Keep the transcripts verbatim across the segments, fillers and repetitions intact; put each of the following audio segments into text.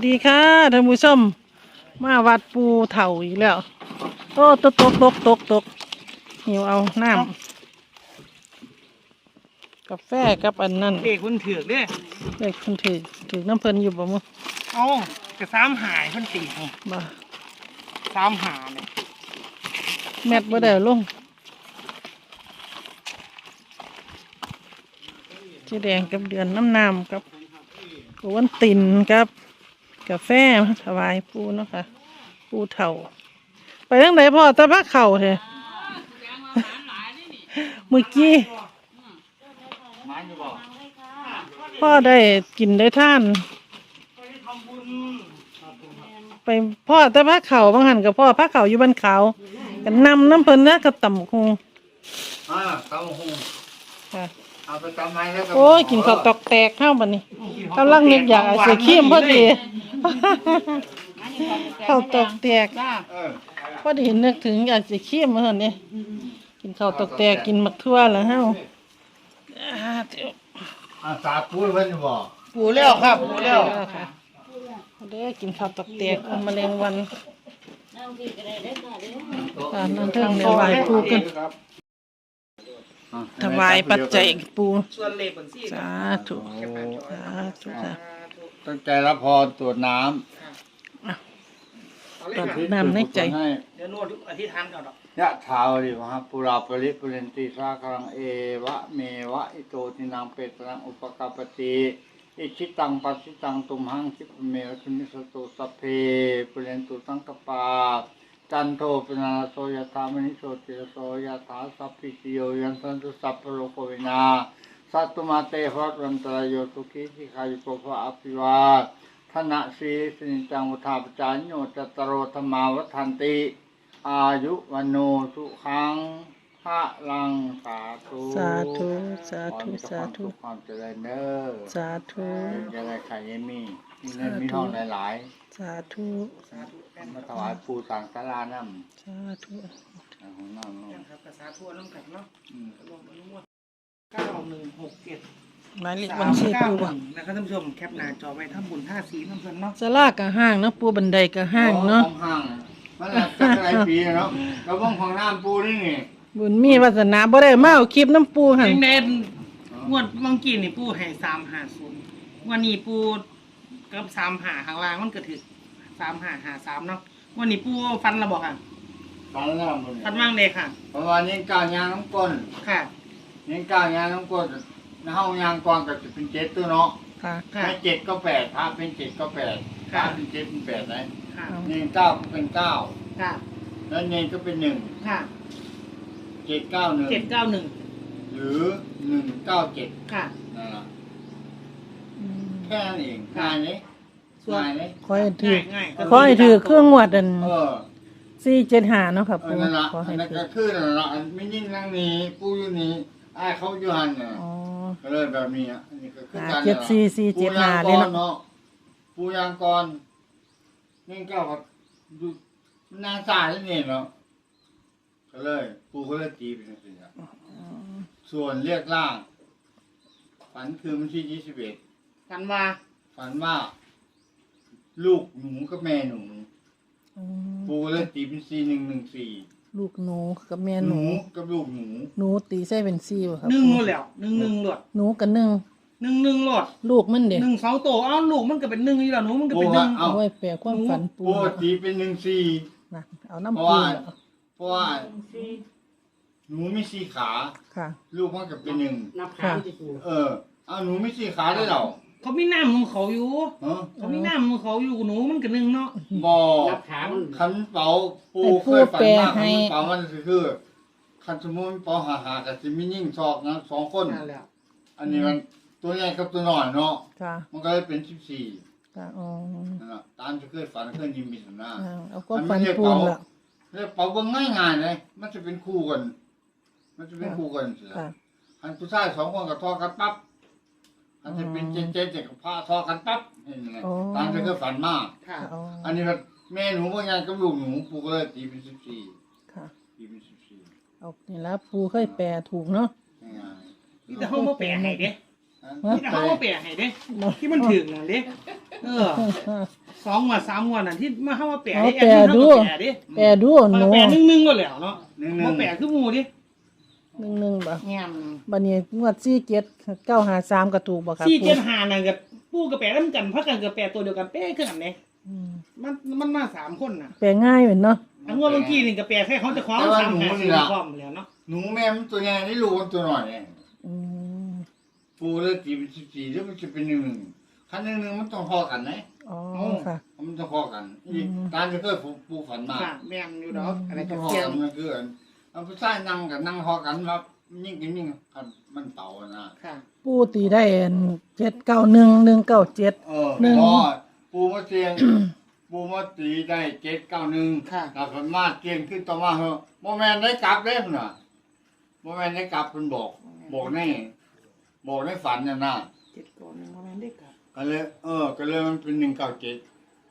ดีค่ะท่านผู้ชมมาวัดปูเถ่าอีกแล้วโอ้ตกตกตกตกตกหิวเอาน้ำกาแฟกับอันนั้นเด็กคนถือกเด้เด็กคนถือถือน้ำเพลินอยู่บ่มั้งเอ้ากระซ้ำหายคนตีนี่บ่ซ้ำหาเนี่ยแมทบ่ได้ลงสีแดงกับเดือนน้ำน้ำกับกวนตินกับกาแฟมาถวายปูเนาะค่ะปูเถ่าไปทางไหนพ่อตะพักเข่าเถอะเมื่อกี้พ่อได้กินได้ท่านไปพ่อตะพักเข่าบางหันกับพ่อพักเข่าอยู่บ้านเขากันนำน้ำเพลินนะกับต่ำคงอ่าตำหูค่ะเอาไปตำไม้แล้วก็โอ้ยกินข้าวตอกแตกข้าวบันนี้กำลังนึกอยากใส่ขี้มพอดีข้าวตอกแตกเออพอดีนึกถึงอยากใส่ขี้มเมื่อนี้กินข้าวตอกแตกกินหมักทั่วแล้วเฮาอ่าเดี๋ยวอาสาพูดเพิ่นบอกปูแล้วครับปูแล้วแล้วค่ะเด้อกินข้าวตอกแตกเอาแมลงวันอ่านั่นเทิงเนี่ยไหวปูกันถวายปัจจัยปูส่วนเล็บเหมือนซี่สาธุสาธุค่ะตั้งใจรับพรตรวจน้ตัดำน้ำในใจให้เดี๋ยวนวดอธิษฐานก่อนหรอกยะถาวริวหาปุราปริปุเรนติสาครังเอวะเมวะอิโตทินังเปตรังอุปกาปติอิชิตังปัสสิตังตุมหังคิปเมวะทุมิสตุสัพเพปุเรนตุสังกปาจันโทปนาโสยถามณิโสติโสยถาสัพพิติโยยันสันตุสัพพโลกวินาสัตตุมาเตภวัตตรายโยตุกิสิกายุโกภะอภิวาทนะสีสินิจังวุธาปจายโยจตโรธรรมาวัฏันติอายุวันโนสุขังพระลังสาธุสาธุสาธุสาธุความเจริญเด้อสาธุจะได้ไข่ยมีมีเงินมีทองหลายสาธุๆมาถวายปู่ต่างศาลาน้ำสาธุของน้ำเนาะครับภาษาทั่วน้ำแข็งเนาะอืมรวมอนุโมทเก้าหนึ่งหกเจ็ดหมายเลขสาบัญมชีเก้าปูหบ่นึ่งนะครับท่านผู้ชมแคปหน้าจอไว้ทำบุญท่าสีน้ำเพลินเนาะสลากกะห้างเนาะปูบันไดกะห้างเนาะของห้างมันหลักจักรไรปีเนาะกระบ้องของน้ำปูนี่นี่บุญมีวาสนาบ่ได้มาเอาคลิปน้ำปูหั่นเองเด่นงวดบางกีนี่ปูให้สามหาศูนย์วันนี้ปูกับสามหาข้างล่างมันก็ถือสามหาหาสามเนาะวันนี้ปูฟันระบอกค่ะฟันน้ำมันฟันว่างเลยค่ะประมาณนี้ก้าวยางน้ำก้นค่ะนี่ก้าวยางน้ำก้นในห้องยางก่อนก็จะเป็นเจ็ดตัวเนาะค่ะค่ะไม่เจ็ดก็แปดถ้าเป็นเจ็ดก็แปดถ้าเป็นเจ็ดเป็นแปดไหนค่ะนี่เก้าก็เป็นเก้าค่ะแล้วเนก็เป็นหนึ่งค่ะเจ็ดเก้าหนึ่งเจ็ดเก้าหนึ่งหรือหนึ่งเก้าเจ็ดค่ะนั่นแหละอืมแค่นั้นเองง่ายเลยง่ายเลยขอให้ถือง่ายๆขอให้ถือเครื่องงวดอันเออสี่เจ็ดห้าเนาะค่ะเอปูอนั่นละขออัให้นนั้นถืก็อคือนั่นละอันไม่ยิ่งนั่งนี้ปูอยู่นี่ไอ้ายเขาอยู่หันน่ะอ๋อก็เลยแบบนี้อ่ะอันนี้ก็คือการเจ็ดสี่สี่เจ็ดห้าเลยเนาะปูยางกรนี่ก็แบบดูนางสายนี่เนาะก็เลยปูก็เลยตีเป็นสิ่งอ่ะส่วนเรียกล่าง ฝันคือวันที่ยี่สิบเอ็ดกันว่าฝันว่า ลูกหนูกับแม่หนูอืมปูก็เลยตีเป็นสี่หนึ่งหนึ่งสี่ลูกหนูกับแม่หหนูนูกับลูกหนูหนูตีใส่เป็นสี่บ่ครับหนึ่งหมดแล้วหนึ่งหนึ่งหลดหนูกับหนึ่งหนึ่งหนึ่งหลดลูกมันเด็กหนึ่งเสาโตเอ้าลูกมันก็เป็นหนึ่งอยู่แล้วหนูมันก็เป็นหนึ่งเอาไว้แปลความฝันปูปูตีเป็นหนึ่งสี่นะเอาเพน้ำราะปูว่าแล้วเพราะว่าหนูมีสี่ขาค่ะลูกมันก็เป็นหนึ่งนับค่ะขาที่ปูเออเอาหนูมีสี่ขาได้เหรอเขามีน้ำของเขาอยู่ฮะเขามีน้ำของเขาอยู่หนูมันก็หนึ่งเนาะบอนับขามันขันเป๋าปูให้เคยฝันมากปูแปลให้ขันเป๋ามันคือขันสมมุติเป๋าหาหากับสิมิยิ่งชอกนะสองคนนั่นแหละอันนี้มันตัวใหญ่กับตัวน้อยเนาะค่ะมันก็เลยเป็นสิบสี่ค่ะอ๋อนั่นแหละตามที่เคยฝันเคยยิมมีสันหน้าอ่าเอาก็ฝันปูละเรียกเป๋าเบิ่งง่ายง่ายๆเลยมันจะเป็นคู่กัน มันจะเป็นคู่กันสิค่ะอันผู้ชายสองคนกับทอกันปั๊บอันจะเป็นเจนเจนเจกับพระทอกันปั๊บเห็นไหมอ๋อตามที่เคยฝันมากค่ะอ๋ออันนี้มันแม่หนูว่าไงกับลูกหนูปูก็เลยตีเป็นสิบสี่ค่ะตีเป็นสิบสี่เอานี่ละปูเคยแปลถูกเนาะง่ายนี่แต่เขามาแปะให้เด้ๆอันนี่แต่เขามาแปะให้เด้ที่มันถึงน่ะเด้เออสองงวดสามงวดน่ะที่มาเข้ามาแปะเอาให้แปะดูแปะดิแปรดูหนูแปะหนึ่งหนึ่งก็แล้วเนาะหนึ่งหมานึ่งแปะคือหมูดิหนึ่งหนึ่งบ่แง่นบัดนี้งวดสี่เจ็ดเก้าหาสามกระถูกบ่ครับสี่ปูเจ็ดห้าน่ะกับปูกับแปะน้ำกันพักกันกับแปะตัวเดียวกันเป๊ะขึ้นกันเนี่ยอืมมันมันมาสามคนน่ะแปลง่ายเหมือนเนาะอันงวดเมื่อกี้นี่กับแปะแค่เขาจะคว้าสามหาสี่พร้อมแล้วเนาะหนูแม่มันตัวใหญ่นี่ลูกมันตัวน้อยเนี่ยอืมปูเลยตีเป็นสิบสี่แล้วมันจะเป็นหนึ่งหนึ่งคันหนึ่งหนึ่งมันต้องพอกันนะอ๋อค่ะมันต้องพอกันอีกอืมการจะเกิดปูปูฝันมาค่ะแม่นอยู่ดอกอะไรมันต้กัอบ งพอเสียกังนมันคืออันเอาผู้ชายนั่งกับนั่งพอกันครับยิ่งกินยิ่งคันมันเต่าอะนะค่ะปูตีได้เจ็ดเก้าหนึ่งหนึ่งเก้าเจ็ดเออหนึ่งพอปูมาเตียง ปูมาตีได้เจ็ดเก้าหนึ่งค่ะแต่ฝันมาเตียงขึ้นต่อมาเหอะโมแมนได้กลับเลยพุ่นน่ะโมแมนได้กลับเพิ่นบอก บอกในบอกในฝันน่ะนะเจ็ดก่อนหนึ่งประมาณได้กับก็เลยเออ ก็เลยมันเป็นหนึ่งเก้าเจ็ด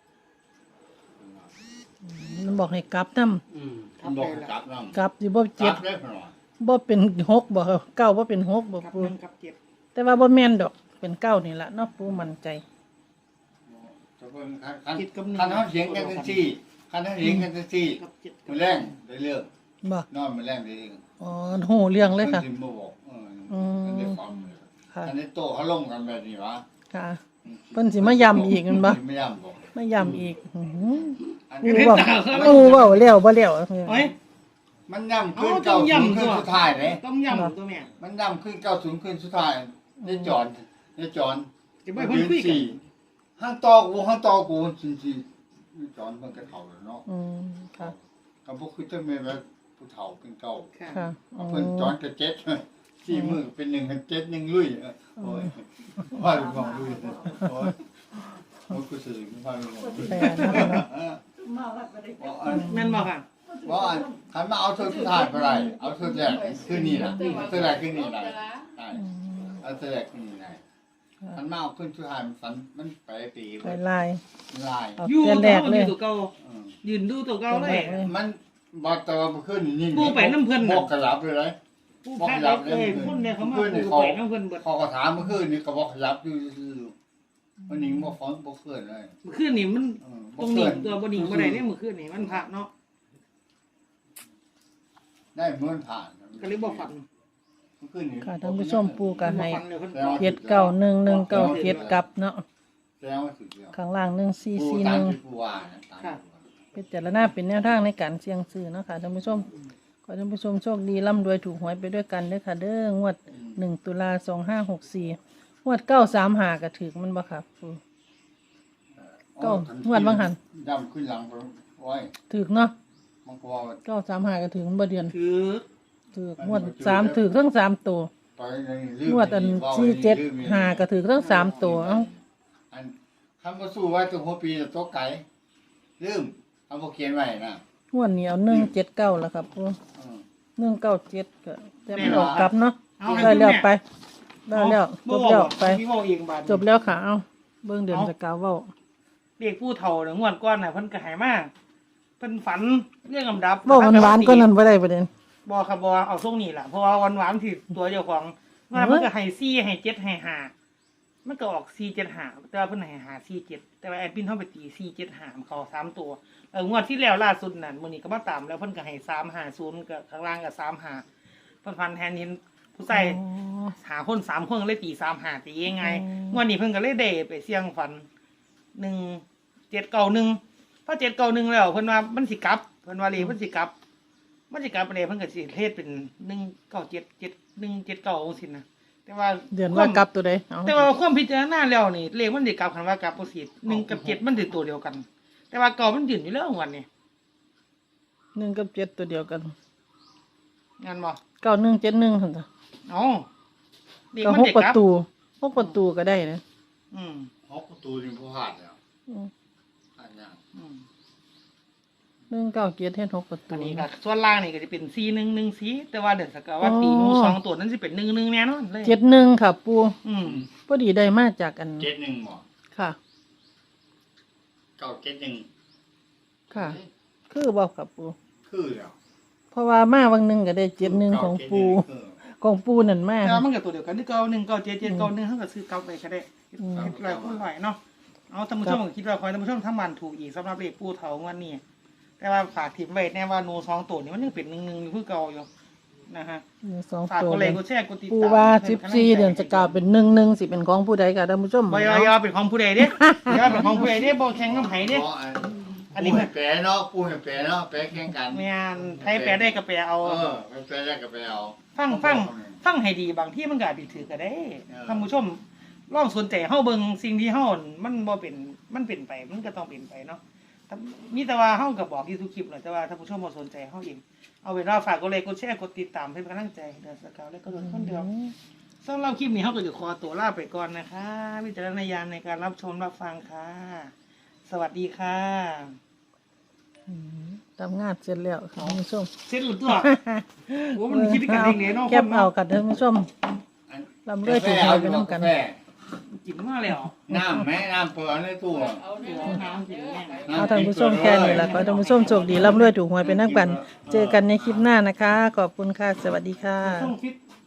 มันบอกให้กลับนำอืมมันบอกให้กลับน้กลับสิบ่ำกเจ็ลัดบเลยพุ่นว่าบ่เป็นหกบ่ครับเก้าบ่เป็นหกบ่กับปูหนึ่งกับเจ็ดแต่ว่าบ่แม่นดอกเป็นเก้านี่ล่ะเนาะปูมั่นใจจะเพิ่นคันคันเจ็ดกับหนึ่งคันเขาเสียงกันจังซี่คันเขาเสียงกันจังซี่กับเจ็ดกัมื้บอแรงได้เรื่องบ่นอนมื้อแรงได้เรื่องอ๋อโหเรื่องเลยค่ะพิ่นสิมาบอกเอออืมอันนี้ฟังเลยค่ะอันนี้โตเขาลงกันแบบนี้วะค่ะเพิ่นสิมาย้ำอีกแม่นบ่ไม่ย้ำบอกมาย้ำอีกอื้อหืออันปูนี้เว้าปูเว้าแล้วบ่แล้วโอ้ยมันย้ำขึ้นเอาต้เก้าองศูนย์ย้ำขึ้นตัวสุดท้ายเลยต้องย้ำตัวแม่มันย้ำขึ้นเก้าศูนย์ขึ้นสุดท้ายได้จอนได้จอนจะไม่เพิ่นคุยกันสี่ห้างตอกูห้างตอกูจริงๆจอนมันก็เฒ่าแล้วเนาะอืมค่ะก็บ่คือจะแม่นว่าผู้เฒ่าเป็นเก่าค่ะค่ะอ๋อเพิ่นจอนก็เจ็ดสี่มือเป็นหนึ่งกันเจ็ดหนึ่งลุยโอ้ยว่าลูกน้องลุยโอ้ยมันคือสื่อว่าลูกน้องลุยแปลเนาะแม่นบอกค่ะว่าคันมาเอาเธอสุดท้ายไปไรเอาเธอแรกขึ้นนี่นะเอาเธอแรกขึ้นนี่ได้ได้อืมเอาเธอแรกขึ้นนี่ได้คันมาเอาขึ้นสุดท้ายมันฝันมันไปปีไปลายลายเอาอยู่แต่แรกเลยตัวเก่าอืมยืนดูตัวเก่าเลยมันบอกแต่ว่ามันขึ้นนี่ปูไปน้ำเพิ่นน่ะบอกกระลับเลยเลยผู้แพ้เลยคนเนี่ยเขามาปูไปน้ำเพิ่นเบิดพอกระถามมันขึ้นนี่ก็บอกกระลับอยู่ซื่อๆมันหนิงบ่ฟ้อนบ่ขึ้นเลยเมื่อคืนนี่มันเออตรงนี้ตัวบ่หนิงบ่ได้เนี่ยเมื่อคืนนี่มันพระเนาะได้เหมือนผ่านก็เลยบ่ฝันมันขึ้นนี่ค่ะท่านผู้ชมปูก็ให้บ่ฝันเลยเพิ่นเจ็ดเก้าหนึ่งหนึ่งเก้าเจ็ดกลับเนาะแสดงว่าสุดแล้วข้างล่างหนึ่งสี่ปูสี่หตามนึ่งที่ปูว่านะตามที่ปูว่าเป็นจารณาเป็นแนวทางในการเสี่ยงซื้อเนาะค่ะท่านผู้ชมขอท่านผู้ชมโชคดีร่ำรวยถูกหวยไปด้วยกันเด้อค่ะ เด้องวดหนึ่งตุลาสองห้าหกสี่งวดเก้าสามหากระถือมันบ่ค่ะปู ก็งวดบางหันดำขึ้นหลังไปไว้ถือเนาะมันก็ว่าเก้าสามหากระถือมันบ่เดือนคือถืองวดสามถือทั้งสามตัวไปในลืมงวดอันว้าสี่เจ็ดลืมหากระถือทั้งสามตัวเอ้าอันคำว่าสู้ไว้ตัวหัวปีตัวไก่ลืมคำว่าเขียนไว้นะงวดนี้เอาหนึ่งเจ็ดเก้าแล้วครับปูอืมหนึ่งเก้าเจ็ดก็แต่ไม่ออกกลับเนาะเอาได้แล้วไปได้แล้วจบแล้วไปพี่เว้าเองบาดจบแล้วค่ะเอาเบิ่งเดือนสกาวเว้าเรียกผู้เฒ่าเนี่ยงวดก่อนน่ะเพิ่นก็ให้มาเพิ่นฝันเรื่องลำดับเว้าหวานๆก็นั้นบ่ได้ประเด็นบ่ครับบ่เอาทรงนี้ล่ะเพราะว่าหวานๆที่ตัวเจ้าของว่ามันก็ให้สี่ให้เจ็ดให้ห้ามันก็ออกสี่เจ็ดห้าแต่ว่าเพิ่นให้ห้าสี่เจ็ดแต่ว่าแอดมินเฮาไปตีสี่เจ็ดห้ามันเข้าสามตัวเอองวดที่แล้วล่าสุดนั่นมื้อนี้ก็มาตามแล้วเพิ่นก็ให้สามห้าศูนย์ก็ข้างล่างก็สามห้าเพิ่นฟันแทนเห็นผู้ใส่อ๋อหาคนสามคนเลยตีสามห้าตียังไงอืมงวดนี้เพิ่นก็เลยได้ไปเสี่ยงฝันหนึ่งเจ็ดเก้าหนึ่งพอเจ็ดเก้าหนึ่งแล้วเพิ่นว่ามันสิกลับเพิ่นว่าเลยมันสิกลับ มันสิกลับไปเลยเพิ่นก็สิเทศเป็นหนึ่งเก้าเจ็ดเจ็ดหนึ่งเจ็ดเก้าสินะแต่ว่าเดือนว่ากลับตัวใดเอาแต่ว่าความพิจารณาแล้วนี่เลขมันสิกลับคันว่ากลับบ่สิหนึ่งกับเจ็ดมันสิตัวเดียวกัน แต่ว่าเก่ามันยืนอยู่แล้ววันนี้หนึ่งกับเจ็ดตัวเดียวกันงานบ่เก้าหนึ่งเจ็ดหนึ่งหั่นจ้ะเอ๋อเลขก็มันหกสิปกระลับตูหกประตูก็ได้นะอืมฮอกประตูนี่ผู้หาดแล้วอืมหาดยากอืมหนึ่งเก้าเจ็ดเฮ็ดหกประตูอันนี้ก็ส่วนล่างนี่ก็จะเป็นสี่หนึ่งหนึ่งสี่แต่ว่าเดือนสกาวว่าตีหนูสองตัวนั้นสิเป็นหนึ่งหนึ่งแน่นอนเลยเจ็ดหนึ่งค่ะปูอืมพอดีได้มาจากอันเจ็ดหนึ่งหมอค่ะเก้าเจ็ดหนึ่งค่ะ คือบอกค่ะปูคือแล้วเพราะว่ามาวันหนึ่งก็ได้เจ็ดหนึ่งของปูเก้าเจ็ดหนึ่งของปูนั่นมาแต่ว่ามันก็ตัวเดียวกันที่เก้าหนึ่งเก้าเจ็ดเจ็ดเก้าหนึ่งเขาก็ซื้อเก้าไปก็ได้อืมลอยคนลอยเนาะเอาท่านผู้ชมก็คิดว่าคอยท่านผู้ชมทำมันถูกอีกสำหรับเลขปูเถางวันนี้แต่ว่าฝากถิ่มไว้แน่ว่าหนูสองตัวนี้มันยังเป็นหนึ่งหนึ่งอยู่คือเก่าอยู่นะฮะมีสองฝากตัวกดไลเลยค์กดแชร์กดติดตามปูว่าสิบสี่เดือนจะกล่าวเป็นหนึ่งหนึ่งสิเป็นของผู้ใดค่ะท่านผู้ชมบอยอยเป็นของผู้ใดเด้ยอเป็นของผู้ใดเด้บ่แข่งน้ำไผเด้ อันนี้ปูให้แปรเนาะปูให้แปรเนาะแปรแข่งกันแม่นไผแปลได้ก็แปลเอาเออให้แปรได้ก็ไปเอาฟังฟังฟังให้ดีบางที่มันก็อาจสิถือก็ได้เออท่านผู้ชมลองสนใจเฮาเบิ่งสิ่งที่เฮามันบ่เป็นมันเป็นไปมันก็ต้องเป็นไปเนาะแต่มีแต่ว่าเฮาก็บอกอยู่ทุกคลิปแหละแต่ว่าท่านผู้ชมบ่สนใจเฮาเองเอาเป็นว่าฝากกดไลค์กดแชร์กดติดตามให้เป็นกำลังใจเดือนสกาวและก็โดนคนเดียวสำหรับคลิปนี้เฮาก็จะขอตัวลาไปก่อนนะคะวิจารณญาณในการรับชมรับฟังค่ะ สวัสดีค่ะอืมทำงานเสร็จแล้วค่ะท่านผู้ชมเสร็จหรือตัวโอ้มันคิดกันเองเนี่ยเนาะแก็บเอาค่ะท่านผู้ชมลำเลื่อยถูกหวยไปน้ำกันกาแฟกินมาแล้วน้ำแม่น้ำเปิดในตู้เดี๋ยวน้ำกินแม่เอาท่านผู้ชมแค่นี้แหละขอให้ท่านผู้ชมโชคดีร่ำรวยถูกหวยเป็นนักบันเจอกันในคลิปหน้านะคะ ขอบคุณค่ะ สวัสดีค่ะต้องฟิต